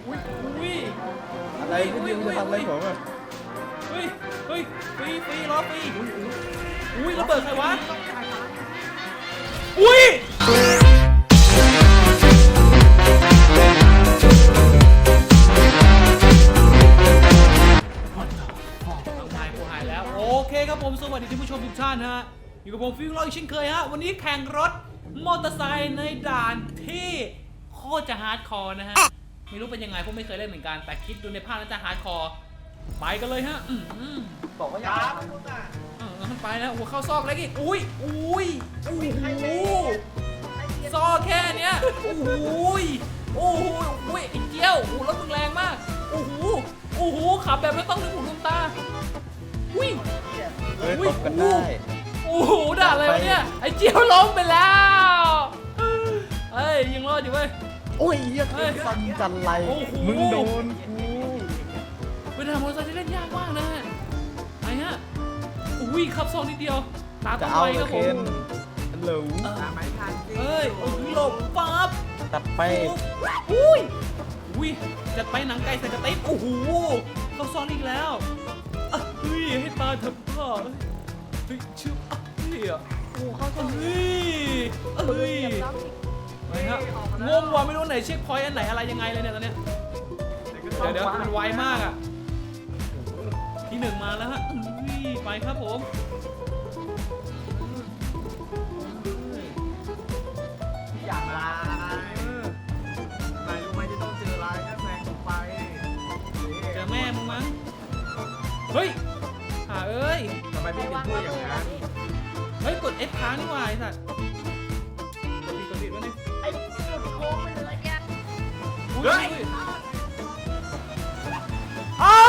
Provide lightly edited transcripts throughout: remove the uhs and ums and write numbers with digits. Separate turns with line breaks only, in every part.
อุ้ย
อะไรพี่ดิวจะทำอะไรผมอ่ะ
เฮ้ยฟรีล้อฟรีอุ้ยระเบิดใครวะอุ้ยหายแล้วโอเคครับผมสวัสดีท่านผู้ชมทุกท่านฮะอยู่กับผมฟิวเราอีกเช่นเคยฮะวันนี้แข่งรถมอเตอร์ไซค์ในด่านที่โคตรจะฮาร์ดคอร์นะฮะไม่รู้เป็นยังไงผมไม่เคยเล่นเหมือนกันแต่คิดดูในภาพน่าจะฮาร์ดคอร์ไปกันเลยฮะ
บอกว่าอย่า
ไปแล้วหัวเข้าซอกเล็กอีกอุ้ยโอ้โหซอกแค่เนี้ยโอ้โหไอ้เจี้ยวโอ้รถมึงแรงมากโอ้โหขับแบบไม่ต้องลืมหูลืมตาอุ้ย
เฮ้ยตบกันได้
โอ้โหด่าอะไรวะเนี่ยไอ้เจี้ยวล้มไปแล้วเฮ้ยยังรอดอยู่เว้ย
โอ้ยยังฟันจันไรมึงโดนกู
เป็นทางมอเตอร์ไซค์ที่เล่นยากมากนะฮะไอ้ฮะอุ้ยขับซองนิดเดียวตา
จะ
ต้อง
เอา
ไว
เล
ค
ย
รับผ
เคน
ม
ฮัลโหล
เฮ้ยหลบปั๊บ
ตัดไป
อุ้ยจะไปหนังไก่ใส่กระติบโอ้โหเขาซ้อนอีกแล้วเฮ้ยให้ตาทำท่าเฮ้ยชื่อเฮ้ย
โอ้เข้าช่อง
เฮ้ยไปฮะงงว่ะไม่รู้ไหนเช็คพอยต์อันไหนอะไรยังไงเลยเนี่ยตอนเนี้ยเดี๋ยวมันไวมากอ่ะที่หนึ่งมาแล้วฮะไปครับผม
อยากลานายรู้ไหมจะต้องเจออะไรถ้าแซงไป
เจอแม่มึงมั้งเฮ้ยเอ้ย
ทำไมพี่เป็นพูดอย่างนั้น
เฮ้ยกด F ค้างนี่หว่าไอ้สัตว์กดผิดวะเนี่ย
ไอ้จุดโค้งไปเลยแก
เฮ้ยเอา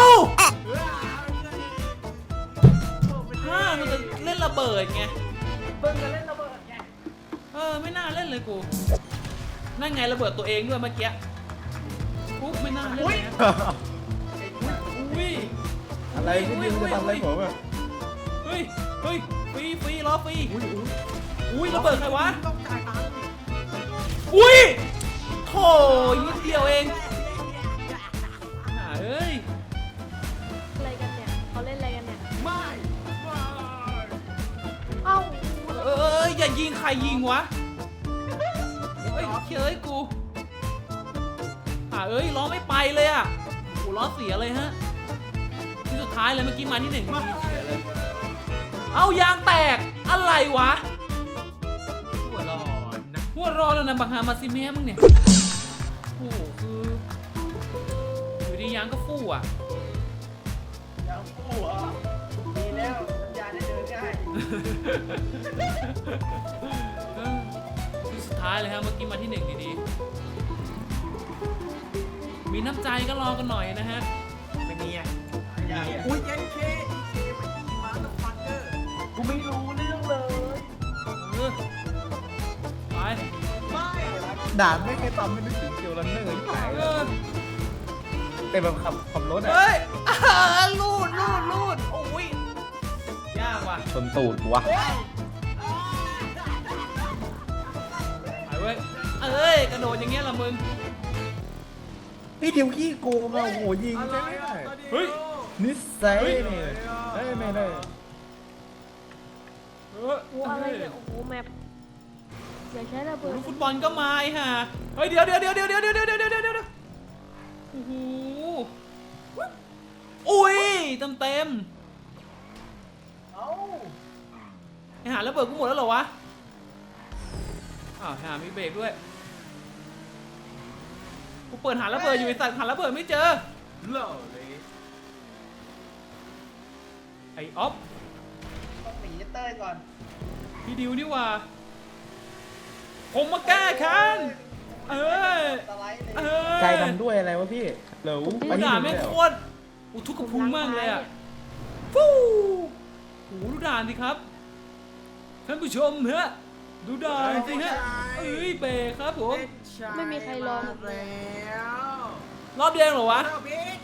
มันจะเล่นระเบิดไง
เบิ่งกันเล่นระเบิดไง
ไม่น่าเล่นเลยกูนั่นไงระเบิดตัวเองด้วยเมื่อกี้ปุ๊บไม่น่าเล่นเลยนะอุ้ย
อะไรพี่ดิวจะทำอะไรผมอ่ะ
เฮ้ยฟรีล้อฟรีอุ้ยระเบิดใครวะ
ต้องจ่ายตังค์
อุ้ยโถนิดเดียวเองเอ้ย
อะไรกันเนี่ยเขาเล่นอะไรกันเนี่ย
ไม่
เอ้า
อย่ายิงใครยิงวะเฮ้ยเฮ้ยกูล้อไม่ไปเลยอ่ะโอ้ล้อเสียเลยฮะที่สุดท้ายเลยเมื่อกี้มาที่หนึ่งเสียเลยเอายางแตกอะไรวะ
หัวร้อนนะ
หัวรอแล้วนะบังฮามาซิเม่มึงเนี่ยโอ้โหคืออยู่ดียางก็ฟู่อ่ะ
ยังหัวดีแล้วสัญญาได้เดินง่าย
ที่สุดท้ายเลยฮะเมื่อกี้มาที่หนึ่งดีๆมีน้ำใจก็รอกันหน่อยนะฮะ
ไม่มีอ่ะอุ้ยเจ๊เคมันยิงมาแล้วฟันเกอร์กูไม่รู้เรื่องเลย
ไป
ไม่
ด่านไม่เคยทำไม่นึกถึงเกียวรันเนอร์ที่ไหนแต่แบบขับรถอ่ะ
เฮ้ยลูดโอ้ยยากว่ะ
ชนตูดวะ
ไปเว้ยกระโดดอย่างเงี้ยละมึง
พี่ดิวขี้โกงอ่ะโอ้โหยิงใช่ไหม
เฮ้ย
นิสัยเนี่ยไม่ได้
โอ้อะไรเนี่ยโอ้โหแมปอย่าใช้ระเบิด
ลูกฟุตบอลก็มาไอ้ห่าเฮ้ยเดี๋ยวโอ้โหอุ้ยเต็ม
เอ้า
ไอ้ห่าระเบิดกูหมดแล้วเหรอวะอ้าวห่ามีเบรกด้วยกูเปิดหาระเบิดอยู่ไอ้สัตว์หาระเบิดไม่เจอ
เหล่าเลย
ไอ้อ๊อฟ
ต้องหนีเต้ยก่อน
พี่ดิวนี่ว่าผมมาแก้แค้น
สไลด์เลย
ใจดำด้วยอะไรวะพี่เหลวไปที่
ด่า
หนึ่ง
แม่ง
เลย
โคตรอุทุกกระพุ้งมากเลยอ่ะฟูโหดูด่านสิครับท่านผู้ชมฮะดูด่านสิฮะเบรกครับผม
ไม่มีใครลอง
แล้ว
รอบเดียวเหรอวะ
เจ้าบิ๊ก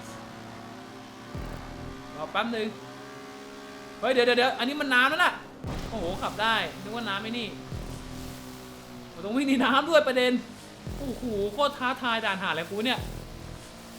รอแป๊บนึงเฮ้ยเดี๋ยวอันนี้มันน้ำแล้วน่ะโอ้โหขับได้นึกว่าน้ำไม่นี่ตรงวิ่งในน้ำด้วยประเด็นโอ้โหโคตรท้าทายด่านหาอะไรกูเนี่ย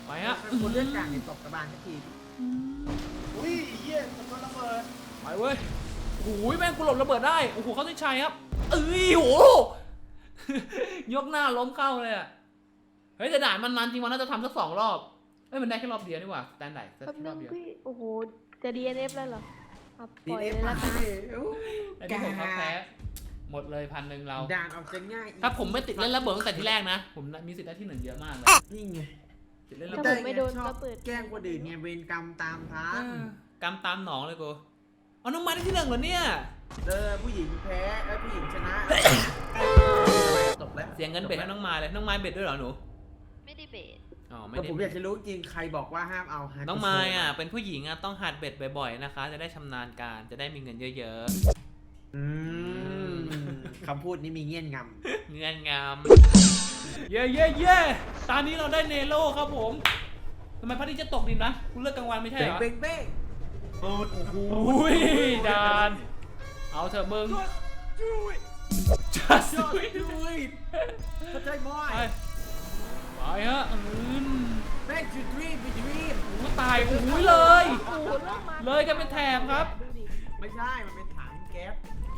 ไปฮะ
คนเลือดกลางในตบกระบาลสักที
อุ้ยเหี้ยมันก็ระเบิด
ไปเว้ยโอ้ยแม่งกูหลบระเบิดได้โอ้โหเขาได้ชัยครับเอ้ยโห ยกหน้าล้มเข้าเลยอะเฮ้ยแต่ด่านมันจริงวันน่าจะทำสัก2 รอบเอ้ยมันได้แค่รอบเดียวนี่หว่าสแตนดาร์ดแค่
แป๊บ
ร
นึ
อบ
ง
เดียว
พี่โอ้โหจะ DNF แล้วเหรอเอาป
ดี
ล่อย
เอ
เลย
ฟ
ละ
มา
กัน
อันนี้ผมครับแพ้หมดเลย1,000เรา
ด่านออกจะง่าย
ถ้าผมไม่ติดเล่นระเบิดตั้งแต่ที่แรกนะผมมีสิทธิ์ได้ที่1เยอะมากเลย
นี่ไง
ติดเล่นระ
ถ้า
เบิ
ผ
ด
มไม่โดน
ชอบ
ระเบิด
แกล้งคนอื่นไงเวรกรรมตามทัน
กำตามหนองเลยกูเอาน้องไม้ได้ที่1เหรอเนี่ย
ผู้หญิงแพ้ผู้หญิงชนะจบแล้ว
เสียเงินเบ็ดให้น้องไม้เลยน้องไม้เบ็ดด้วยเหรอหนู
ไม่ได้เบส
อ๋อไม่
แต่
ได้
ผมอยากจะรู้จริงใครบอกว่าห้ามเอาฮาร์ด
น้องไม้อ่ะเป็นผู้หญิงอ่ะต้องหัดเบ็ดบ่อยๆนะคะ จะได้ชำนาญการจะได้มีเงินเยอะ
อืมคำพูดนี้มีเงี้ยนง
ๆเงินงามเย่เย่เย่ตอนนี้เราได้เนโร่ครับผมทำไมพระอาทิตย์จะตกดินนะคุณเลิกกลางวันไม่
ำ
ใช่เหรอ
เบ้งเบ้ง
อุ้ยดานเอาเถอะมึง just
ยอด
do it
ด้วยเข้าใจมั้
ไป
ย
ไปฮะ
แม่งจุดรีบไปดรีบ
โอ้ตายโอ้ยเลย
โอ้โหเริ่มมา
เลยกันเป็นแถบครับ
ดูดิ
ไม่ใช่มันเป็นถังแก๊ส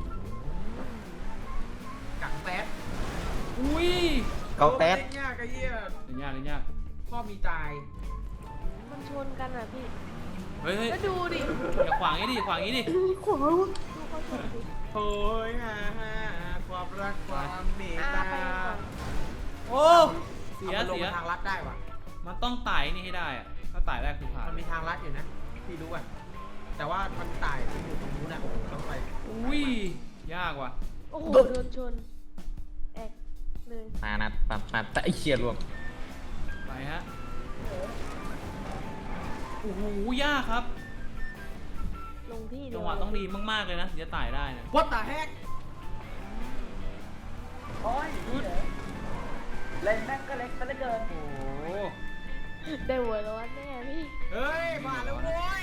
กังแป๊ด
อุ้ย
เกาแต๊ด
ยากไอ้เหี้ย
ยากเลยยาก
พ่อมีตาย
มันชนกันอ่ะพี่
เฮ้ยเฮ้ย
แล้วดูดิ
อย่าขวางงี้ดิขวางงี้ดิ
ขวางดูเขาชนดิ
โอ้ยความรักความเมต
อ่า
ตา
ไปก่อน
โอ้เสีย
อามันลง
เสีย
มาทางลัดได้ว่ะ
มันต้องไต่นี่ให้ได้อะถ้าไต่ได้คือผ่าน
มันมีทางลัดอยู่นะพี่รู้อ่ะแต่ว่ามันตายที่อยู่ตรงนู้นนะต้องไป
อุ้ยยากว่ะ
โอ้โหโดนชนแอกเลย
มานัดปับปับแต่ไอ้เชี่ยรวม
ไปฮะโอ้โหยากครับ
ลงที่เดี
จั
ยว
งหวะต้องดีมากๆเลยนะถึงจะไต่ได้นะ
วัดตาแฮก
โอ้ย
อุ๊ย
เล่นแม่งก็เล็กซะเหลือเกิน
โอ้โห
ได้หัวร้อนแน่พี่
เฮ้ยมาแล้วโว้ย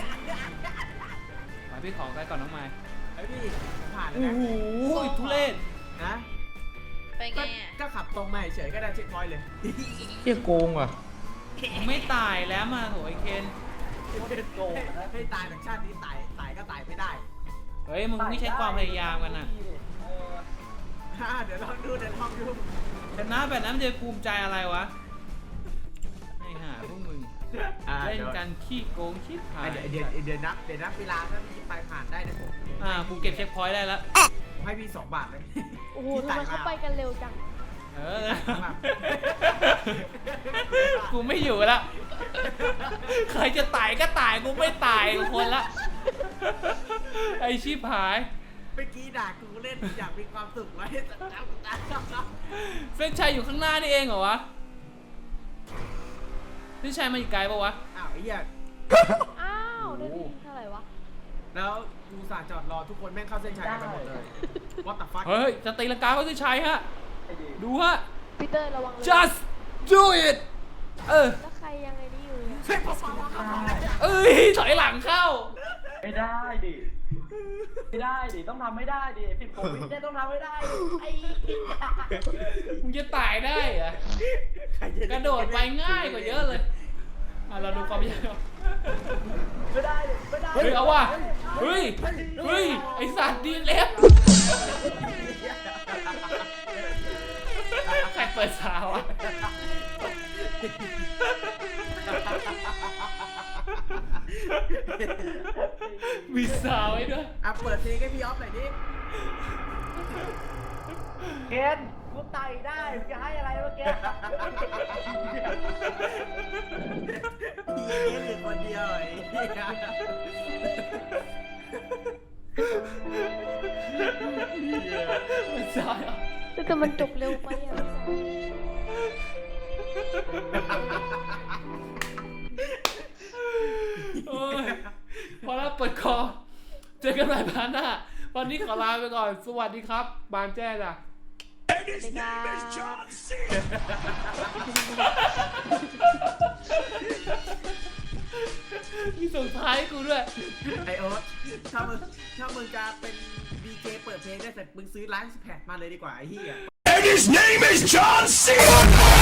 ไปพี่ขอใกล้ก่อนน้องไม้
ไอ้พี่ผมผ่านแล้ว
โอ้
นะ
โหทุเรศ
นะ
ไปไงอ่ะ
ก็ขับตรงมาเฉยๆก็ได้เช็คพอยต์เลย
เชี่ยโกงว่ะ
ไม่ตายแล้วมาโหไอเคน
โกงให้ตายจากชาตินี้ตายก็ตายไม่ได้
เฮ้ยมึงไม่ใช้ความพยายามกันนะ
เดี๋ยวลองดู
ชนะแบบนั้นมันจะภูมิใจอะไรวะให้หาพวกมึงเล่นกันขี้โกงขี้ผาย
เดี๋ยวนับเวลาถ้าพี่ไปผ่านได้นะผม
กูเก็บเช็คพอยต์ได้แล้ว
ให้พี่2 บาทเลย
โอ้โหทำไมเขาไปกันเร็วจัง
เออ กูไม่อยู่แล้วใครจะตายก็ตายกูไม่ตายคนละไอชีพหาย
เมื่อกี้ด่ากูเล่นอยากมีความสุขไว้แต่แล้ว
เฟรนชัยอยู่ข้างหน้านี่เองเหรอวะเฟรนชัยมาอีกไกลปะวะ
อ้าวไอ้เหี้ย
อ้าวได้ที่เท่าไหร่วะ
แล้วกูสาจอดรอทุกคนแม่งเข้าเส้นชัยกันไปหมดเลย What the fuck
เฮ้ยจะตีลังกาเขาจะใช้ฮะดูฮะ
พีเตอร์ระวังเลย
just do it
แล้วใครยังไงนี่อยู่เนี่ย
เฮ้ยพอฟังว่าเขาบอกอะไรเนี่ย
เอ้ยถอยหลังเข้า
ไม่ได้ดิ ไม่ได้ดิ ต้องทำไม่ได้ดิ10 วิเนี่ยต้องทำไม่ได้ดิไอ้
มึงจะตายได้เหรอ
ใคจ
กระโดดไปง่ายกว่าเยอะเลยเราดูความยาก
ไม่ได้ดิ ไม่ได้
เฮ้ยเอาว่ะเฮ้ยไอสัตว์ดีเล็บใครเปิดสาวอ่ะมีสาวไว้ด้วย
เปิดเพลงให้พี่ออฟหน่อยดิ
เกณฑ์กูไต่ได้มึงจะให้อะไรเมื่อกี้
พี่เหลือคนเดียวไอ้เหี้ย
มีสาวอ่ะ
แต่มันจบเร็วไปอ่ะ
โอ้ยพอแล้วเปิดคอเจอกันใหม่พาร์ทหน้าวันนี้ขอลาไปก่อนสวัสดีครับบานแจ้จ้ะ
ในการ
มีส่งท้ายให้กูด้วย
ไอโอ๊ตถ้ามึงจะเป็นดีเจเปิดเพลงได้แต่มึงซื้อร้านแพดมาเลยดีกว่าไอ้เหี้ย
And his name is John C.